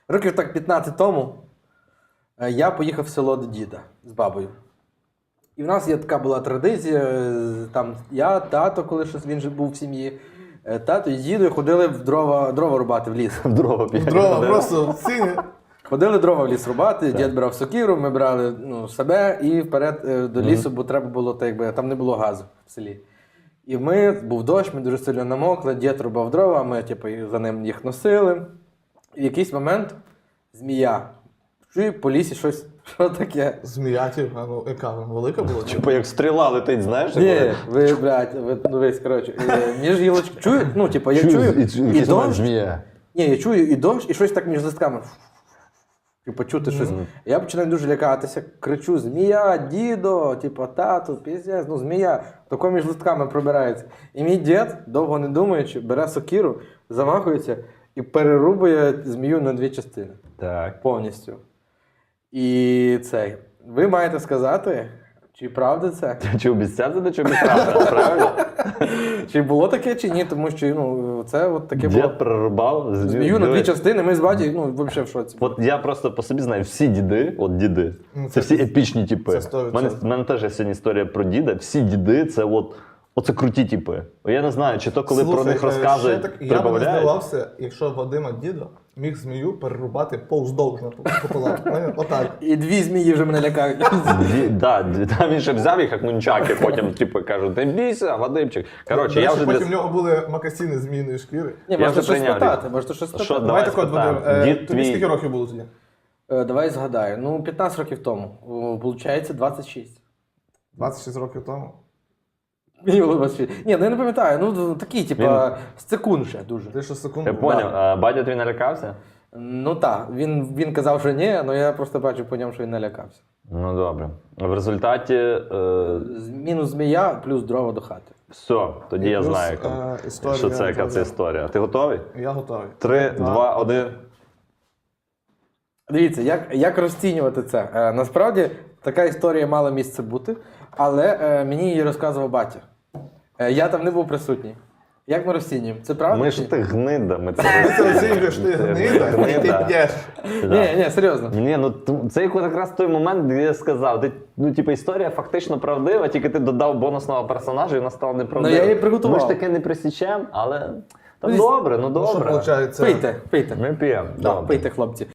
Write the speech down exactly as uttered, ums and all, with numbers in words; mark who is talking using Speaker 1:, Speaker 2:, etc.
Speaker 1: Років так п'ятнадцять тому е, я поїхав в село до діда з бабою. І в нас є така була традиція, е, там я, тато, коли щось він же був в сім'ї, е, тато і дідо ходили в дрова, дрова рубати в ліс.
Speaker 2: В дрова п'ять.
Speaker 3: Дрова просто в ціні.
Speaker 1: Ходили дрова в ліс рубати, дід брав сокиру, ми брали ну, себе і вперед е, до лісу, бо треба було, так якби, там не було газу в селі. І ми, був дощ, ми дуже сильно намокли, дід рубав дрова, ми типу, за ним їх носили. І в якийсь момент змія. Чую по лісі щось, що таке.
Speaker 3: Змія, типу, ну, яка вона велика була?
Speaker 2: Типу як стріла летить, знаєш?
Speaker 1: Ні,
Speaker 2: як
Speaker 1: ви, блядь, ви, ну весь, коротше, е, між гілочками, чую, ну, типу, я чую,
Speaker 2: і,
Speaker 1: і,
Speaker 2: і, і
Speaker 1: дощ,
Speaker 2: змія.
Speaker 1: ні, я чую і дощ, і щось так між листками. І почути щось. Я починаю дуже лякатися, кричу: змія, дідо, типу, тату, піздець, ну змія, тако між листками пробирається. І мій дід, довго не думаючи, бере сокиру, замахується і перерубує змію на дві частини.
Speaker 2: Так.
Speaker 1: Повністю. І цей. Ви маєте сказати, чи правда це?
Speaker 2: Чи обіцяти, чи обіцяти, правильно?
Speaker 1: Чи було таке, чи ні? Тому що ну, це от таке було.
Speaker 2: Дід прорубав
Speaker 1: Змію на дві частини, ми з батьком, ну, взагалі в шоці.
Speaker 2: От я просто по собі знаю, всі діди, от діди,
Speaker 3: Ну,
Speaker 2: це,
Speaker 3: це-
Speaker 2: всі епічні типи.
Speaker 3: це сто
Speaker 2: У мене,
Speaker 3: відсотків.
Speaker 2: в мене теж є сьогодні історія про діда. Всі діди це от, оце круті типи. Я не знаю, чи то коли
Speaker 3: Слухай,
Speaker 2: про них
Speaker 3: е,
Speaker 2: розказують,
Speaker 3: ще так, я б не
Speaker 2: прибавляють.
Speaker 3: здивався, якщо Вадима дідо міг змію перерубати повздовжно пополам. Отак.
Speaker 1: І дві змії вже мене лякають.
Speaker 2: Ді, да, ді- там він ще взяв їх як нунчаки, потім типу кажуть, не бійся, Вадимчик. Коротше,
Speaker 3: До
Speaker 2: я
Speaker 3: речі,
Speaker 2: вже
Speaker 3: потім
Speaker 2: для...
Speaker 3: в нього були макасини зміїної шкіри.
Speaker 1: Ні,
Speaker 2: Я
Speaker 1: можете
Speaker 2: вже
Speaker 1: щось
Speaker 2: прийняв
Speaker 1: спитати, можете щось
Speaker 2: Що,
Speaker 1: спитати.
Speaker 2: давай
Speaker 3: Давай так от, Вадим,
Speaker 2: спитаємо.
Speaker 3: е,
Speaker 2: Дід
Speaker 3: тобі
Speaker 2: твій-
Speaker 3: скільки років було тоді?
Speaker 1: Е, Давай згадаю. Ну, п'ятнадцять років тому. О, Получається двадцять шість.
Speaker 3: двадцять шість років тому.
Speaker 1: Мені було двадцять шість. Ні, ну я не пам'ятаю. Ну, такий, типа, секунд ще дуже.
Speaker 3: Ти що секунду?
Speaker 2: Я поняв, а батя твій налякався?
Speaker 1: Ну так, він, він казав, що ні, але я просто бачив по ньому, що він налякався.
Speaker 2: Ну добре. В результаті е,
Speaker 1: З- Мінус змія, плюс дрова до хати.
Speaker 2: все, тоді
Speaker 3: І
Speaker 2: я
Speaker 3: плюс,
Speaker 2: знаю, яка,
Speaker 3: е, історія
Speaker 2: що це, яка
Speaker 3: про-
Speaker 2: це історія. Ти готовий?
Speaker 3: Я готовий.
Speaker 2: Три, два, один.
Speaker 1: Дивіться, як, як розцінювати це? Е, насправді, така історія мала місце бути, але е, мені її розказував батя. Е, я там не був присутній. Як ми розцінюємо? Це правда?
Speaker 2: Ми
Speaker 1: чи
Speaker 2: ж
Speaker 1: ні?
Speaker 2: ти гнида. Ми
Speaker 3: Ти це оцінюєш, ти гнида, і ти
Speaker 2: Гнида.
Speaker 3: п'єш.
Speaker 1: Ні, ні, серйозно.
Speaker 2: Ні, ну т- це якраз той момент, де я сказав, ти, ну, типу, історія фактично правдива, тільки ти додав бонусного персонажа і вона стала неправдива.
Speaker 1: Ну, я її приготував.
Speaker 2: Ми ж таке не присічемо, але та
Speaker 1: Ну,
Speaker 2: добре, ну
Speaker 3: Ну, що
Speaker 2: добре.
Speaker 3: виходить?
Speaker 1: Пийте, пийте.
Speaker 2: Ми п'ємо.
Speaker 1: Да,
Speaker 2: добре.
Speaker 1: пийте, хлопці.